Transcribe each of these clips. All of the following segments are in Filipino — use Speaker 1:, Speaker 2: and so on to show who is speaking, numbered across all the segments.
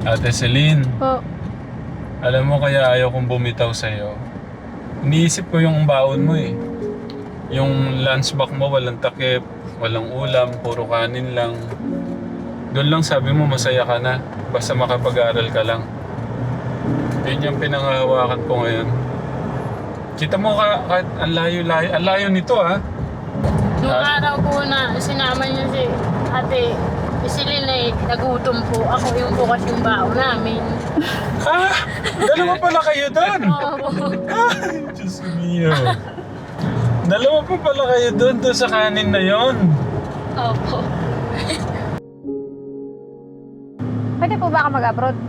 Speaker 1: Ate Celine,
Speaker 2: Po.
Speaker 1: alam mo kaya ayaw kong bumitaw sa'yo. Iniisip ko yung baon mo eh. Yung lunchbox mo walang takip, walang ulam, puro kanin lang. Doon lang sabi mo masaya ka na, basta makapag-aral ka lang. Yun yung pinangahawakan ko ngayon. Kita mo kahit ang layo nito ah.
Speaker 3: Nung araw po na sinama niya si Ate Isilin eh, nagutom po. Ako yung bukas yung bao namin.
Speaker 1: Ah! Dalawa pala kayo doon!
Speaker 3: Oo.
Speaker 1: Ay, Diyos mio. Dalawa pa pala kayo doon sa kanin na yon.
Speaker 3: Opo.
Speaker 2: Pwede po ba ako mag-abroad?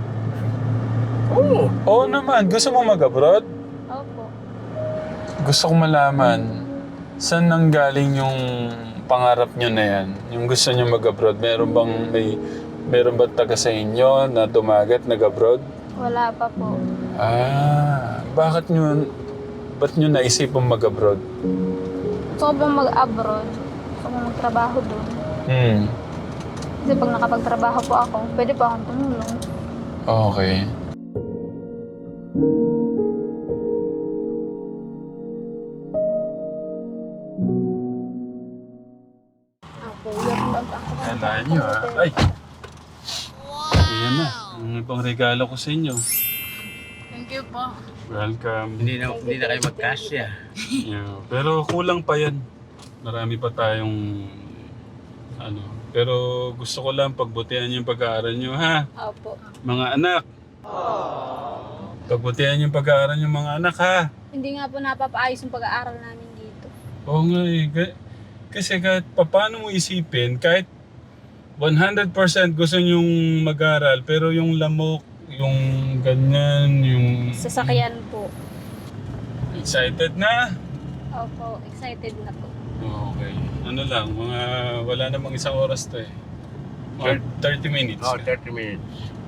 Speaker 1: Oo naman. Gusto mo mag-abroad?
Speaker 2: Opo.
Speaker 1: Gusto ko malaman, saan nanggaling yung pangarap nyo na yan? Yung gusto nyo mag-abroad? Meron ba taga sa inyo na dumagat, nag-abroad?
Speaker 2: Wala pa po.
Speaker 1: Ba't nyo naisipang mag-abroad?
Speaker 2: Gusto ko pong mag-abroad. Gusto ko magtrabaho doon. Kasi pag nakapagtrabaho po ako, pwede po akong tumulong.
Speaker 1: Okay.
Speaker 2: Ako, yung
Speaker 1: Kala nyo Ay! Ayan na. Ang ibang regalo ko sa inyo.
Speaker 3: Thank you po.
Speaker 1: Welcome.
Speaker 4: Hindi na kayo magkasya.
Speaker 1: Yeah. Pero kulang pa yan. Marami pa tayong Pero gusto ko lang pagbutihan yung pag-aaral nyo, ha?
Speaker 2: Opo.
Speaker 1: Mga anak. Pagbutihan yung pag-aaral nyo, mga anak, ha?
Speaker 2: Hindi nga po napapaayos yung pag-aaral namin dito.
Speaker 1: Oo nga eh. Kasi kahit paano mo isipin, kahit 100% gusto nyong mag-aral, pero yung lamok, yung ganyan, yung...
Speaker 2: Sasakyan po.
Speaker 1: Excited na?
Speaker 2: Opo, excited na po.
Speaker 1: Okay. Wala namang isang oras to eh. Or 30 minutes.
Speaker 4: Oh, 30 minutes.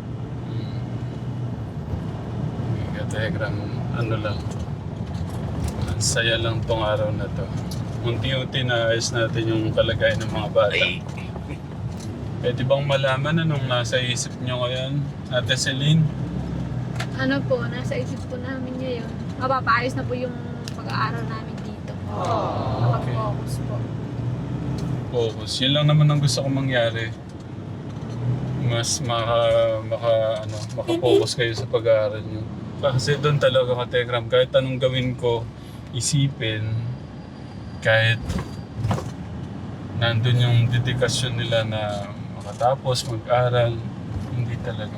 Speaker 1: Telegram, lang. Ang saya lang tong araw na to. Unti-unti naayos natin yung kalagayan ng mga bata. Pwede bang malaman anong nasa isip nyo ngayon, Ate Celine?
Speaker 2: Ano po, nasa isip po namin ngayon. Mapapaayos na po yung pag-aaral namin dito. Kapag-focus po.
Speaker 1: Focus. Yun lang naman ang gusto kong mangyari. Mas maka-focus kayo sa pag-aaral nyo. Kasi doon talaga ka-Telegram, kahit anong gawin ko, isipin, kahit nandun yung dedikasyon nila na makatapos, mag-aral, hindi talaga.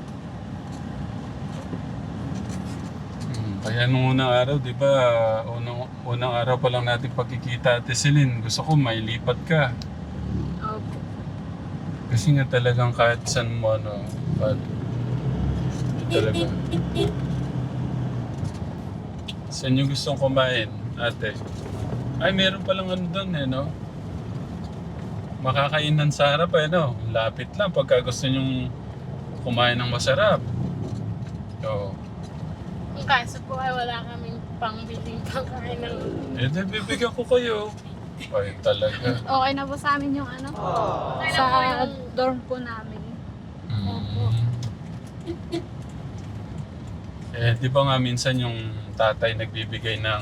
Speaker 1: Kaya nung unang araw, di ba, unang araw pa lang natin pagkikita, Ate Celine, gusto ko may lipat ka.
Speaker 2: Opo.
Speaker 1: Kasi nga talagang kahit saan mo, hindi talaga. Saan yung gustong kumain, ate? Ay, meron palang doon no? Makakainan sa harap no? Lapit lang pagka gusto nyong kumain ng masarap. Oo.
Speaker 3: Ang kaso po ay wala kaming pangbiling pangkain ng...
Speaker 1: Bibigyan ko kayo. Ay, talaga.
Speaker 2: Okay na po sa amin yung sa dorm po namin.
Speaker 1: Di ba nga minsan yung tatay nagbibigay ng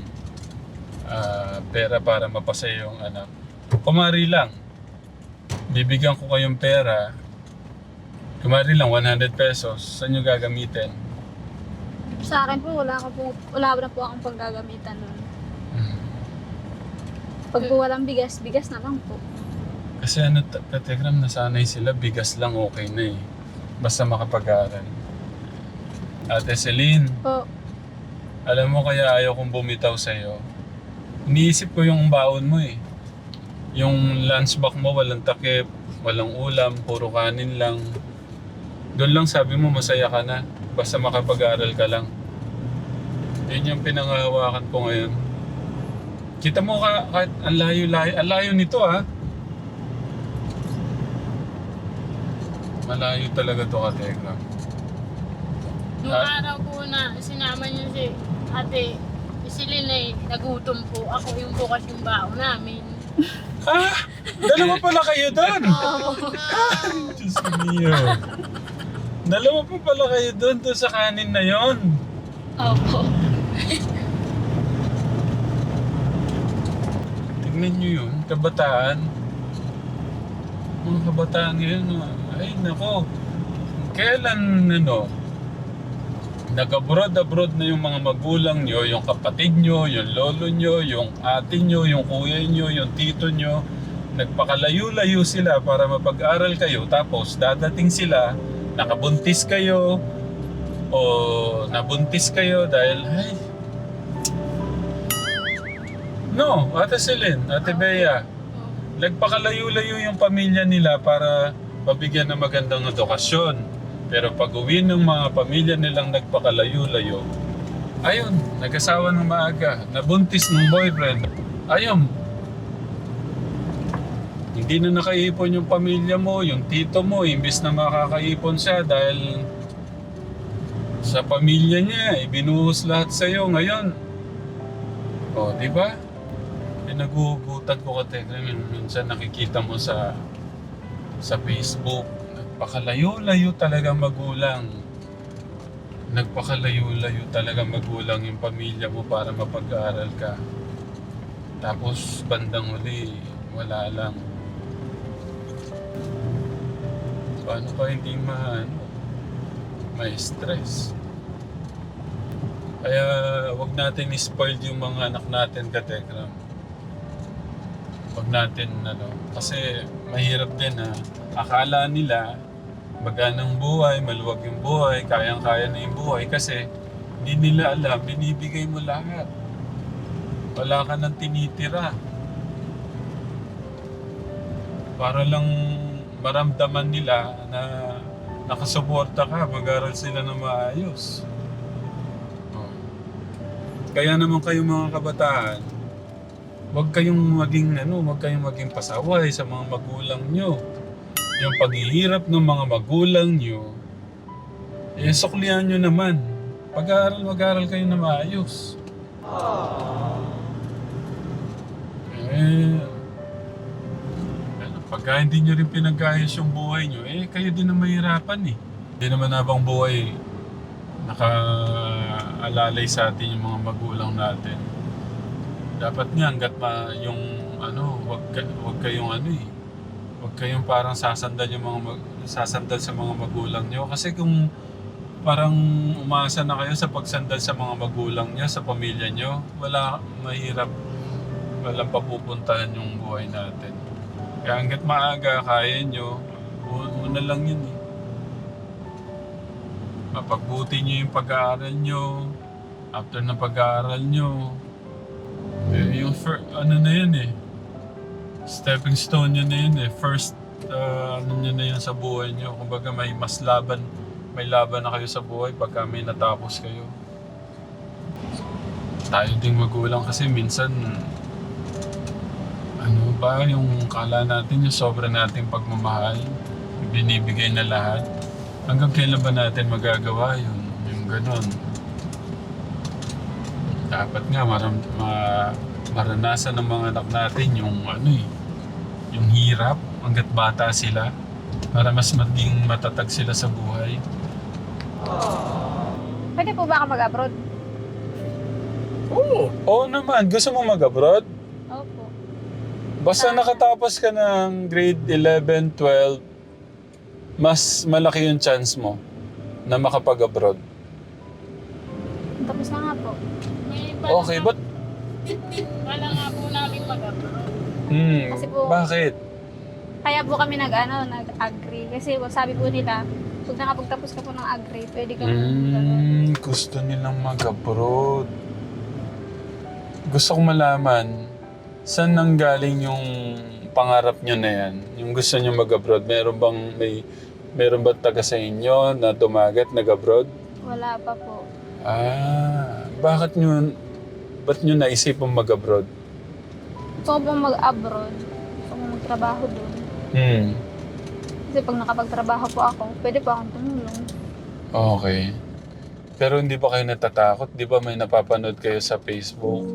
Speaker 1: pera para mapasaya yung anak. Kumari lang, bibigyan ko kayong pera, kumari lang 100 pesos, saan nyo gagamitin?
Speaker 2: Sa akin po, wala na po akong panggagamitan nun. Pag po walang bigas, bigas na lang po.
Speaker 1: Kasi Kategram, nasanay sila, bigas lang okay na eh. Basta makapag-aaral. Ate Celine,
Speaker 2: Po.
Speaker 1: alam mo kaya ayaw kong bumitaw sa'yo. Iniisip ko yung baon mo eh. Yung lunchbox mo walang takip, walang ulam, puro kanin lang. Doon lang sabi mo masaya ka na, basta makapag-aral ka lang. Yun yung pinangahawakan ko ngayon. Kita mo kahit ang layo nito Malayo talaga to, Kategram.
Speaker 3: Nung araw po na sinama niya si Ate Isilin eh, nagutom po. Ako yung bukas yung bao namin.
Speaker 1: Dalawa pala kayo doon!
Speaker 3: Oo.
Speaker 1: Diyos mio. Dalawa pa pala kayo doon sa kanin na yon.
Speaker 3: Opo.
Speaker 1: Tignan nyo yun, kabataan. Mga kabataan ngayon, ay nako. Kailan nag-abroad na yung mga magulang nyo, yung kapatid nyo, yung lolo nyo, yung ate nyo, yung kuya nyo, yung tito nyo, nagpakalayo-layo sila para mapag-aral kayo, tapos dadating sila, nakabuntis kayo, o nabuntis kayo dahil, ay, no, Ate Celine, Ate Bea, nagpakalayo-layo yung pamilya nila para mabigyan ng magandang edukasyon. Pero pag uwi ng mga pamilya nilang nagpakalayo-layo, ayun, nag-asawa ng maaga, nabuntis ng boyfriend, ayun, hindi na nakaipon yung pamilya mo, yung tito mo, imbis na makakaipon siya dahil sa pamilya niya, ibinuhos lahat sa'yo ngayon. O, di ba? Nagugutan ko ka, minsan nakikita mo sa Facebook, nagpakalayo-layo talaga magulang. Nagpakalayo-layo talaga magulang yung pamilya mo para mapag-aaral ka. Tapos bandang huli, wala lang. Paano ka hindi ma-stress? Kaya wag natin i-spoil yung mga anak natin, Katekram. Wag natin, kasi mahirap din akala nila maganang buhay, maluwag yung buhay, kayang-kaya na yung buhay kasi hindi nila alam, binibigay mo lahat. Wala ka nang tinitira. Para lang maramdaman nila na nakasuporta ka, mag-aral sila na maayos. Oh. Kaya naman kayo mga kabataan, huwag kayong maging pasaway sa mga magulang nyo. Yung paghihirap ng mga magulang nyo, suklihan nyo naman. Mag-aaral kayo na maayos. Pagka hindi nyo rin pinag-ayos yung buhay nyo, kayo din na mahirapan eh. Hindi naman habang buhay nakaalalay sa atin yung mga magulang natin. Dapat nga hanggat wag kayong parang sasandal sasandal sa mga magulang nyo. Kasi kung parang umasa na kayo sa pagsandal sa mga magulang nyo, sa pamilya nyo, mahirap, walang papupuntahan yung buhay natin. Kaya hanggat maaga, kaya nyo, una lang yun eh. Mapagbuti nyo yung pag-aaral nyo. After ng pag-aaral nyo, yung na yun eh. Stepping stone nyo na yun eh. First, nyo na yun sa buhay nyo. Kumbaga may laban na kayo sa buhay pagka may natapos kayo. Tayo ding magulang kasi minsan, yung kala natin, yung sobra nating pagmamahal, binibigay na lahat. Hanggang kailan ba natin magagawa yun? Yung ganon. Dapat nga maranasan ng mga anak natin yung hirap hanggat bata sila para mas maging matatag sila sa buhay.
Speaker 2: Pwede po ba ako mag-abroad?
Speaker 1: Oo naman. Gusto mo mag-abroad?
Speaker 2: Opo.
Speaker 1: Basta nakatapos ka ng grade 11, 12, mas malaki yung chance mo na makapag-abroad.
Speaker 2: Tapos na nga po.
Speaker 1: Okay, but...
Speaker 3: Wala nga po namin mag-abroad.
Speaker 2: Kasi po-
Speaker 1: Bakit?
Speaker 2: Kaya po kami nag-agree. Kasi sabi po nila, pag nakapagtapos ka po ng agree, pwede ka
Speaker 1: Gusto nilang mag-abroad. Gusto kong malaman, saan nanggaling yung pangarap nyo na yan? Yung gusto nyo mag-abroad? Meron bang taga sa inyo na dumagat, nag-abroad?
Speaker 2: Wala pa po.
Speaker 1: Ba't nyo naisipang mag-abroad?
Speaker 2: Gusto ko pong mag-abroad. Gusto ko magtrabaho doon. Kasi pag nakapagtrabaho po ako, pwede po akong tumulong.
Speaker 1: Okay. Pero hindi ba kayo natatakot? Di ba may napapanood kayo sa Facebook?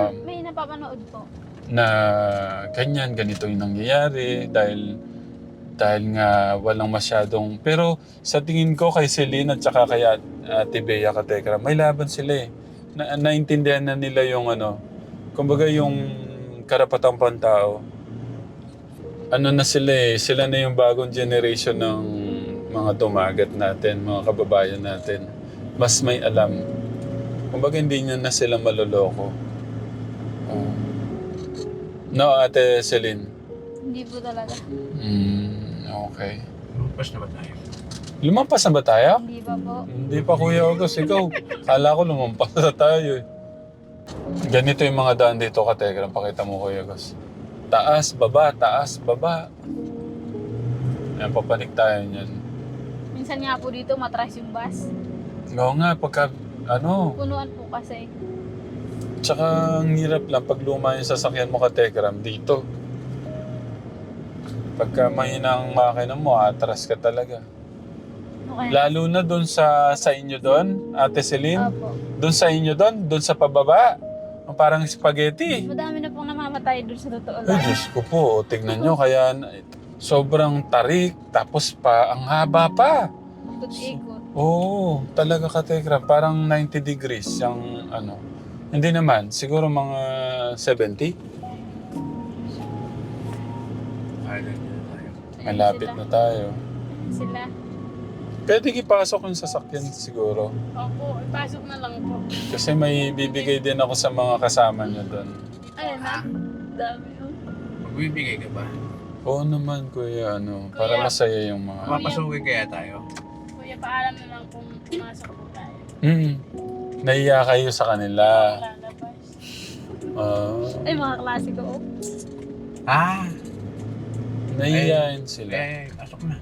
Speaker 2: May napapanood po.
Speaker 1: Na ganito yung nangyayari dahil Dahil nga walang masyadong... Pero sa tingin ko kay Celine at saka kay Ate Bea Katekram, may laban sila eh. Naintindihan na nila yung ano, kumbaga yung karapatang pantao. Ano na sila eh, sila na yung bagong generation ng mga dumagat natin, mga kababayan natin. Mas may alam. Kumbaga hindi niya na sila maloloko. Oh. No, Ate Celine?
Speaker 2: Hindi po talaga.
Speaker 1: Okay.
Speaker 4: Lumpas na ba tayo?
Speaker 1: Lumampas na ba tayo?
Speaker 2: Hindi pa po.
Speaker 1: Hindi pa, Kuya August. Ikaw, kala ko lumampas na tayo eh. Ganito yung mga daan dito, Katekram. Pakita mo, Kuya August. Taas, baba, taas, baba. Ayan, papanik tayo niyan.
Speaker 2: Minsan nga po dito matras yung bus.
Speaker 1: Oo nga, pagka, ano,
Speaker 2: Punuan po kasi.
Speaker 1: tsaka ang hirap lang pag luma yung sasakyan mo, Katekram, dito. Pagka mahina ang makina mo, atras ka talaga.
Speaker 2: Okay.
Speaker 1: Lalo na doon sa inyo doon, Ate Celine.
Speaker 2: Opo.
Speaker 1: Doon sa inyo doon sa pababa. Parang spaghetti.
Speaker 2: Madami na pong namamatay doon sa totoo
Speaker 1: Ay,
Speaker 2: lang.
Speaker 1: Diyos ko po. Tignan nyo, kaya sobrang tarik. Tapos pa, ang haba pa.
Speaker 2: Ikot-ikot.
Speaker 1: Oo, talaga Katekram. Parang 90 degrees yung ano. Hindi naman. Siguro mga 70.
Speaker 4: Island na tayo.
Speaker 1: Malapit na tayo.
Speaker 2: Sila.
Speaker 1: Pwede ipasok yung sasakyan siguro.
Speaker 3: Opo, ipasok na lang po.
Speaker 1: Kasi may bibigay din ako sa mga kasama nyo doon.
Speaker 2: Ayun na. Dami yun.
Speaker 4: Magbibigay ka ba?
Speaker 1: Oo naman, Kuya. Ano, para
Speaker 3: Kuya.
Speaker 1: masaya yung mga...
Speaker 4: Papasukin kaya tayo?
Speaker 3: Kuya, paalam na lang kung pumasok po tayo.
Speaker 1: Nahiya kayo sa kanila.
Speaker 3: Lalabas.
Speaker 2: Ay, mga klase ko. Oh.
Speaker 4: Ah!
Speaker 1: Nahiyain sila.
Speaker 4: Pasok na.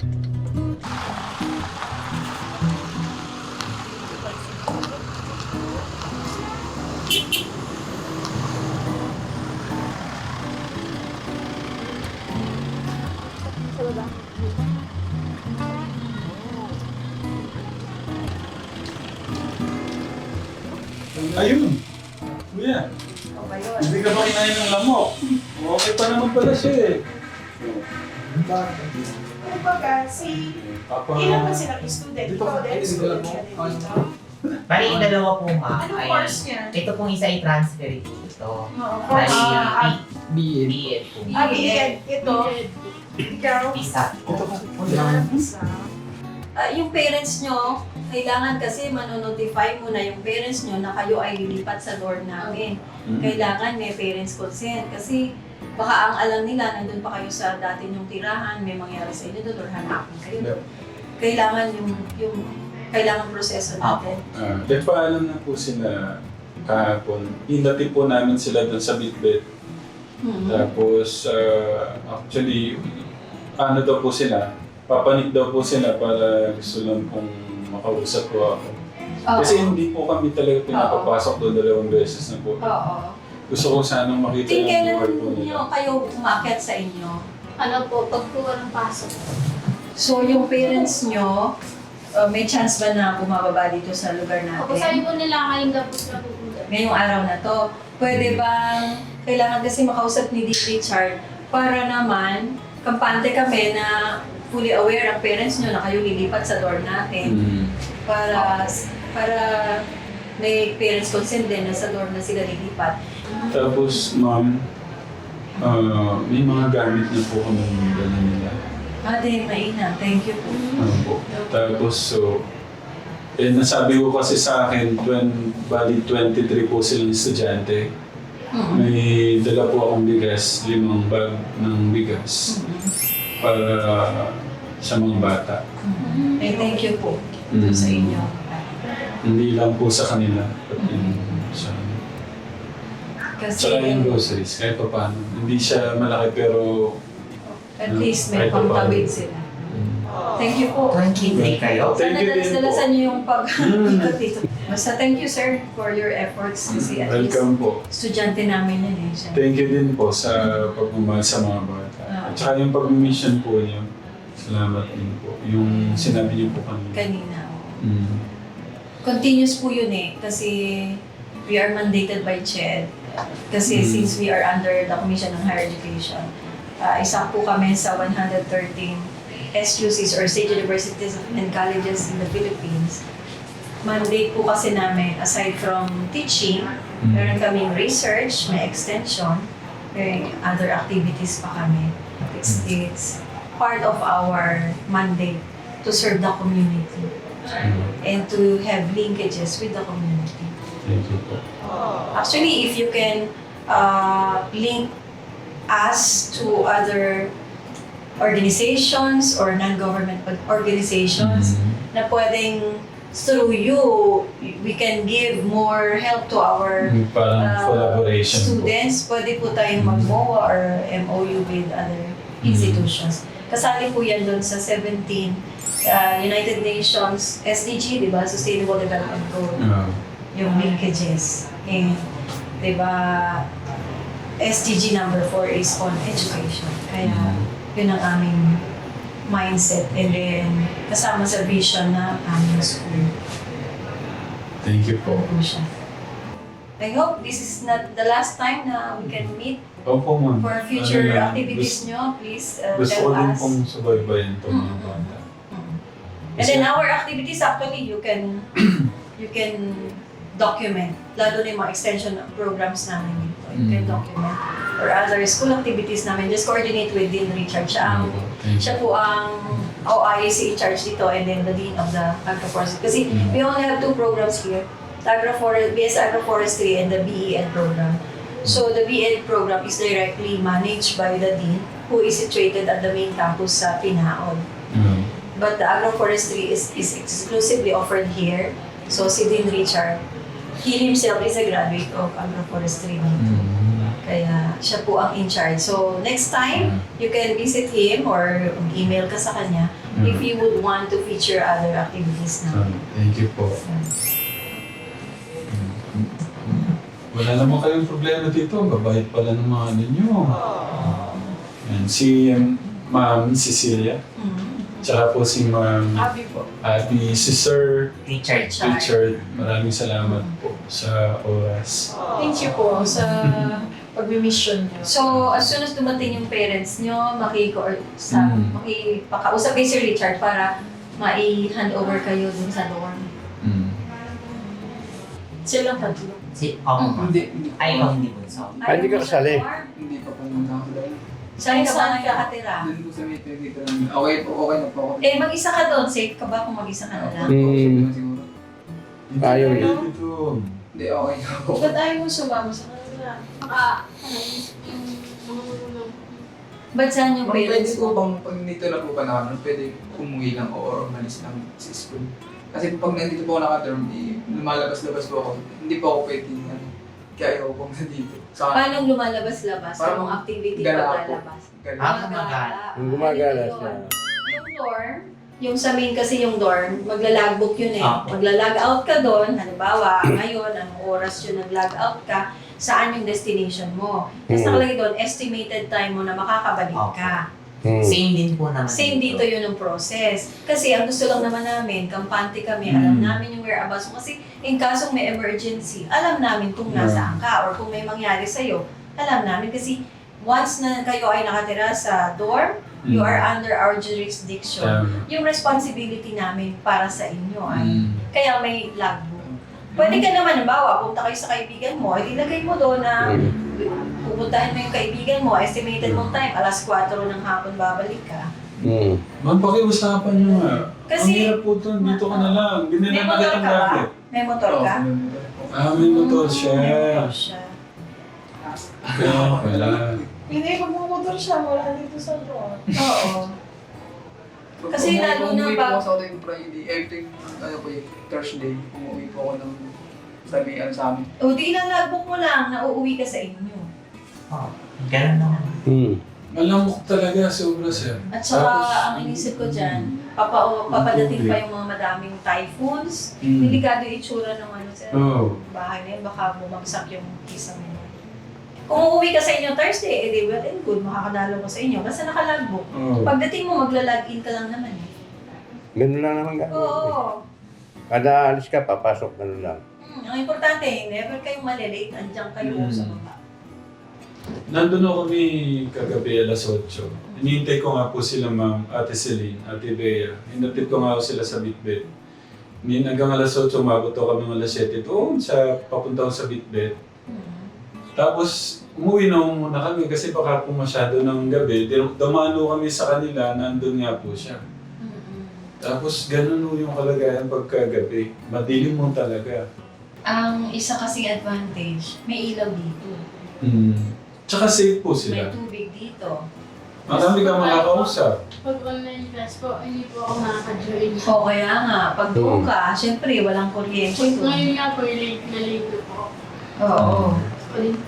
Speaker 2: Sa baba.
Speaker 1: Ayun! Kuya, hindi ka ba kinain ng lamok? Okay pa naman pala siya eh.
Speaker 5: Kumbaga, ilan ba silang student? Ikaw din, student ka din dito?
Speaker 6: Bali, yung dalawa po ma.
Speaker 5: Anong
Speaker 6: ay,
Speaker 5: course niya?
Speaker 6: Ito pong isa ay transfer ito.
Speaker 5: Oo,
Speaker 6: Bali,
Speaker 5: course.
Speaker 6: BEd po.
Speaker 5: BEd. Ito, ikaw.
Speaker 6: Isa.
Speaker 5: Isa.
Speaker 7: Yung parents nyo, kailangan kasi manonotify muna yung parents nyo na kayo ay lilipat sa dorm namin. Kailangan may parents consent kasi baka ang alam nila, nandun pa kayo sa dati nyong tirahan, may mangyari sa inyo doon or hanapin kayo. Kailangan yung kailangan proseso natin.
Speaker 1: Nagpaalam na po sila kahapon. Hinati po namin sila doon sa Bitbit. Tapos, actually, ano daw po sila? Papanik daw po sila para gusto lang pong makausap po ako. Kasi hindi po kami talaga pinapapasok doon 2 beses na po.
Speaker 7: Oo. Gusto
Speaker 1: ko sanang makita yung
Speaker 7: Kailan
Speaker 1: buhay po nila.
Speaker 7: nyo kayo umakyat sa inyo?
Speaker 2: Ano po, pag po walang pasok.
Speaker 7: So, yung parents nyo, may chance ba na bumababa dito sa lugar
Speaker 2: Opo, sabi
Speaker 7: natin?
Speaker 2: po nila ngayong gapos na pupunta.
Speaker 7: Ngayong araw na to. Pwede bang, kailangan kasi makausap ni D. Richard para naman, kampante kami na fully aware ang parents nyo na kayo lilipat sa dorm natin para may parents consent din na sa dorm na sila lilipat.
Speaker 1: Tapos, ma'am, may mga gamit na po kami dala nila.
Speaker 7: Ate, mainam. Thank you po.
Speaker 1: Po. Tapos, so, nasabi ko kasi sa akin, bali 23 po silang estudyante. May dala po akong bigas, 5 bag ng bigas para sa mga bata.
Speaker 7: Thank you po sa inyo.
Speaker 1: Hindi lang po sa kanila, pati sa
Speaker 7: Kasi
Speaker 1: Tsaka yung groceries, kahit pa paano. Hindi siya malaki pero...
Speaker 7: at least may
Speaker 1: kahit pa paano.
Speaker 7: pangtawid sila. Thank you po.
Speaker 6: 23 kayo.
Speaker 1: Thank you din po.
Speaker 7: Dalasan niyo yung pag-ikot dito. Basta thank you sir for your efforts kasi at least
Speaker 1: Welcome po.
Speaker 7: estudyante namin yan eh. Siya.
Speaker 1: Thank you din po sa pagmamahal sa mga bata. At saka yung pag-mission po niyo, salamat din po. Yung sinabi niyo po kanina.
Speaker 7: Kanina. Continuous po yun eh. Kasi we are mandated by CHED. Kasi since we are under the Commission on Higher Education, isa po kami sa 113 SUCs or State Universities and Colleges in the Philippines, mandate po kasi namin, aside from teaching, meron kaming research, may extension, may other activities pa kami. It's part of our mandate to serve the community and to have linkages with the community.
Speaker 1: Thank you po.
Speaker 7: Actually, if you can link us to other organizations or non-government organizations na pwedeng through you, we can give more help to our
Speaker 1: Parang collaboration po.
Speaker 7: students. Pwede po tayong mag-MOA or MOU with other institutions. Kasali po yan doon sa 17 United Nations SDG, di ba? Sustainable Development Goal. Yung linkages. And, di ba, SDG number 4 is on education. Kaya, yun ang aming mindset. And then, kasama sa vision na aming school.
Speaker 1: Thank you po.
Speaker 7: Yun po siya. I hope this is not the last time na we can meet
Speaker 1: Opo, ma'am.
Speaker 7: for future
Speaker 1: Ano lang,
Speaker 7: activities nyo. Please
Speaker 1: Gusto ko
Speaker 7: tell
Speaker 1: din
Speaker 7: us.
Speaker 1: pong subaybayan itong mga bata.
Speaker 7: And then our activities actually you can document, lalo na yung mga extension programs namin dito. You can document or other school activities namin. Just coordinate with Dean Richard. Siya po ang OIAC in charge dito and then the Dean of the Agroforestry. Kasi we only have 2 programs here. The BS Agroforestry and the BEN program. So the BEN program is directly managed by the Dean who is situated at the main campus sa Pinaon. But the agroforestry is exclusively offered here. So si Dean Richard, he himself is a graduate of agroforestry. Kaya siya po ang in charge. So next time, you can visit him or email ka sa kanya if you would want to feature other activities na.
Speaker 1: Thank you po. Wala naman kayong problema dito. Ang babait pala ng mga ninyo. Yan, si Ma'am Cecilia. Tsaka po si Ma'am Abby, si Sir Richard. Maraming salamat po sa oras.
Speaker 5: Thank you po sa pag-mission niyo.
Speaker 7: So, as soon as dumating yung parents nyo, makipakausap kay Sir Richard para mai-hand over kayo dun sa dorm.
Speaker 5: Silang tatlo.
Speaker 6: Hindi. Ay, hindi po. So,
Speaker 7: Hindi
Speaker 8: ka kasali?
Speaker 9: Hindi pa pumunta ako doon.
Speaker 7: Saan ka ba nakakatira?
Speaker 9: Doon po sa may pagkikaroon. Okay na po ako.
Speaker 7: Eh, mag-isa ka doon. Safe ka ba kung mag-isa ka na lang?
Speaker 9: Okay naman siguro.
Speaker 8: Ayaw niya.
Speaker 1: Dito.
Speaker 9: Hindi, okay na po.
Speaker 5: Ba't ayaw mo sumama sa kanila?
Speaker 3: Naisip yung mga magulang.
Speaker 7: Ba't saan yung
Speaker 9: Ma'am, pwede
Speaker 7: parents
Speaker 9: po
Speaker 7: mo?
Speaker 9: bang pag nandito na po ba naman, pwede umuwi lang o or umalis lang sa school? Kasi pag nandito po ako naka-term, lumalabas-labas po ako. Hindi po ako pwede yan. Kaya ayaw ko pong nandito.
Speaker 7: Paano lumalabas-labas?
Speaker 9: Parang
Speaker 7: Anong activity
Speaker 9: gala po.
Speaker 7: paglalabas?
Speaker 6: gumagala.
Speaker 8: Gumagala
Speaker 7: Ano
Speaker 8: siya.
Speaker 7: yun? Yung dorm, yung sa main kasi yung dorm, magla-logbook yun eh.
Speaker 6: Okay.
Speaker 7: Magla-log out ka doon, halimbawa, ngayon, anong oras yun nag-log out ka, saan yung destination mo. Tapos nakalagay doon, estimated time mo na makakabalik ka.
Speaker 6: Same din po naman.
Speaker 7: Same dito yun ang process. Kasi ang gusto lang naman namin, kampante kami, alam namin yung whereabouts mo. Kasi in kasong may emergency, alam namin kung nasaan ka or kung may mangyari sa'yo, alam namin. Kasi once na kayo ay nakatira sa dorm, you are under our jurisdiction. Yung responsibility namin para sa inyo ay, kaya may logbook. Pwede ka naman, halimbawa, punta kayo sa kaibigan mo, ilagay mo doon na pupuntahin mo yung kaibigan mo, estimated mong time, 4:00 ng hapon babalik ka.
Speaker 1: Ma'am, pakiusapan nyo nga.
Speaker 7: Kasi-
Speaker 1: ang hirap po ito, dito ka na lang. Ganyan
Speaker 7: May
Speaker 1: na
Speaker 7: motor
Speaker 1: nakita
Speaker 7: ka ba?
Speaker 1: dati.
Speaker 7: May motor ka?
Speaker 1: May motor siya.
Speaker 7: May motor siya.
Speaker 1: Kaya wala.
Speaker 5: Hindi, pag bumotor siya, wala dito sa dorm.
Speaker 7: Oo. Kasi lalo na
Speaker 9: umuwi po
Speaker 7: pag-
Speaker 9: ako sa yung Friday, every Thursday, umuwi po ako ng sabihan sa amin.
Speaker 7: O di ilalagbook mo lang na uuwi ka sa inyo.
Speaker 6: Ganun naman.
Speaker 1: Malamok talaga, sobra sir.
Speaker 7: At saka ang inisip ko dyan, papadating pa yung mga madaming typhoons. Delikado yung itsura ng ano sa bahay na yun, baka bumagsak yung isang mo. Kung uuwi ka sa inyo Thursday, edi well and good, makakadalo ko sa inyo kasi nakalagbook. Pagdating mo, magla-login ka lang naman eh.
Speaker 8: Ganun lang naman gagawin.
Speaker 7: Oo.
Speaker 8: Kada alis ka, papasok ganun lang.
Speaker 7: Ang importante, never kayong malilate, andyan kayo sa baba.
Speaker 1: Nandun ako kami kagabi alas 8. Hinihintay ko nga po sila ma'am, Ate Celine, Ate Bea. Hinatid ko nga ako sila sa Bitbit. Hanggang alas 8, umabot ako kami alas 7 doon sa papunta ko sa Bitbit. Tapos umuwi na muna kami kasi baka po masyado ng gabi. Dumano kami sa kanila, nandun nga po siya. Tapos ganun po yung kalagayan pagkagabi. Madilim mo talaga.
Speaker 7: Ang isa kasing advantage, may ilaw dito.
Speaker 1: Tsaka safe po
Speaker 7: May
Speaker 1: sila.
Speaker 7: tubig dito.
Speaker 1: Marami kang makakausap.
Speaker 3: Pag online class po, hindi po ako nakaka-join.
Speaker 7: O kaya nga, pag doon ka, syempre walang kuryente.
Speaker 3: Ngayon nga po, late na late po.
Speaker 7: Oo.
Speaker 3: Ulit.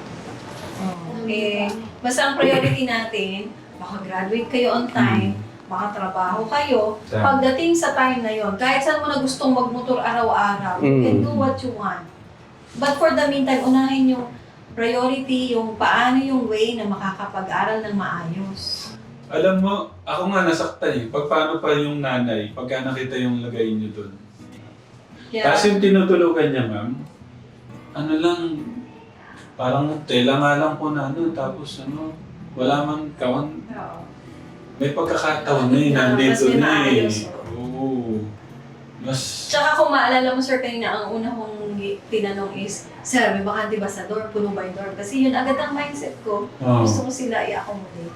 Speaker 7: Eh, basta ang priority natin, makagraduate kayo on time, makatrabaho kayo. Pagdating sa time na yon, kahit saan mo na gustong magmotor araw-araw, you can do what you want. But for the meantime, unahin yung priority, yung paano yung way na makakapag-aral ng maayos.
Speaker 1: Alam mo, ako nga nasaktan eh. Paano pa yung nanay, pagka nakita yung lagay niyo doon.
Speaker 7: Kaya,
Speaker 1: Kasi yung tinutulugan niya, ma'am, ano lang, parang tela nga lang po na ano, tapos ano, wala man kawan.
Speaker 7: Oo.
Speaker 1: May pagkakataon na eh, nandito
Speaker 7: Mas may
Speaker 1: na eh.
Speaker 7: maayos,
Speaker 1: Oo. Mas,
Speaker 7: Tsaka kung maalala mo, sir, kanina ang una kong tinanong is, sir, may bakante ba sa dorm? Puno ba yung dorm? Kasi yun agad ang mindset ko.
Speaker 1: oh.
Speaker 7: Gusto ko sila i-accommodate.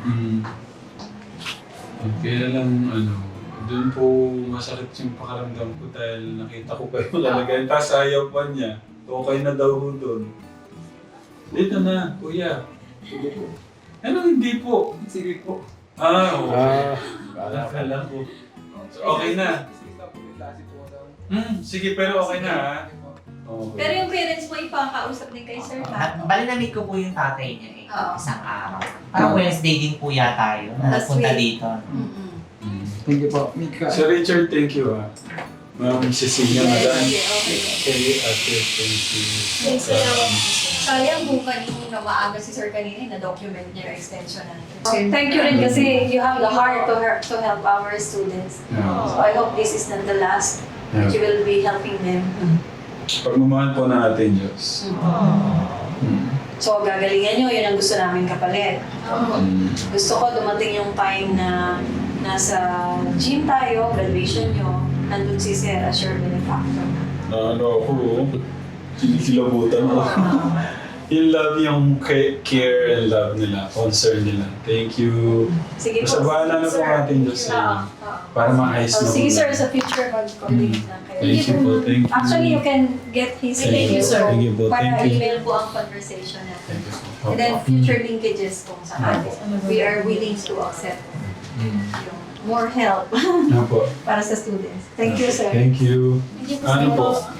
Speaker 1: Kaya lang, ano, doon po masakit yung pakaramdam ko dahil nakita ko pa yung lalagay. Tapos ayaw pa niya. Okay na daw ho doon. Dito na, kuya. Sige po. Ano hindi po?
Speaker 9: Sige po.
Speaker 1: Oo.
Speaker 8: Kala ko.
Speaker 1: Akala ko. So, okay na.
Speaker 9: Sige na po, may klase po daw.
Speaker 1: Sige, pero okay na ha. Okay.
Speaker 7: Pero yung parents mo, ipakausap din kay sir, ha?
Speaker 6: Bali na-meet ko po yung tatay niya eh.
Speaker 7: Oo.
Speaker 6: Isang araw. Parang Wednesday din po yata yun. Na
Speaker 7: Last
Speaker 6: nagpunta
Speaker 7: week.
Speaker 6: dito.
Speaker 9: Thank you po. Mika.
Speaker 1: Sir Richard, thank you ha. Ma'am Cecilia, madam.
Speaker 7: Okay.
Speaker 1: Kay Ate, thank you.
Speaker 7: Thanks, sir. Sayang kung kanina maaga si sir kanina na-document niya yung extension natin. Thank you rin kasi you have the heart to help our students.
Speaker 1: Yeah.
Speaker 7: So I hope this is not the last that you will be helping them.
Speaker 1: Pagmamahal po ng ating Diyos.
Speaker 7: So gagalingan nyo, yun ang gusto namin kapalit. Gusto ko dumating yung time na nasa gym tayo, graduation nyo, nandun si Sir as your benefactor.
Speaker 1: Ano ako, kinikilabutan ako. Yung love, yung care and love nila, concern nila. Thank you.
Speaker 7: Sige
Speaker 1: Basta bahala na po ang ating Diyos sa inyo. Para maayos na
Speaker 7: Sige
Speaker 1: po
Speaker 7: sir,
Speaker 1: lahat.
Speaker 7: sa future mag-coordinate lang kayo.
Speaker 1: Thank you po, thank you.
Speaker 7: Actually, you can get his
Speaker 1: Thank you,
Speaker 7: email
Speaker 1: Thank you po,
Speaker 7: para
Speaker 1: thank you.
Speaker 7: email po ang conversation natin.
Speaker 1: Thank you po.
Speaker 7: And then future linkages kung sakali. We are willing to accept yung more help
Speaker 1: Ano po?
Speaker 7: para sa students. Thank you, sir.
Speaker 1: Thank you.
Speaker 3: Hindi po
Speaker 1: Ano po?
Speaker 3: sa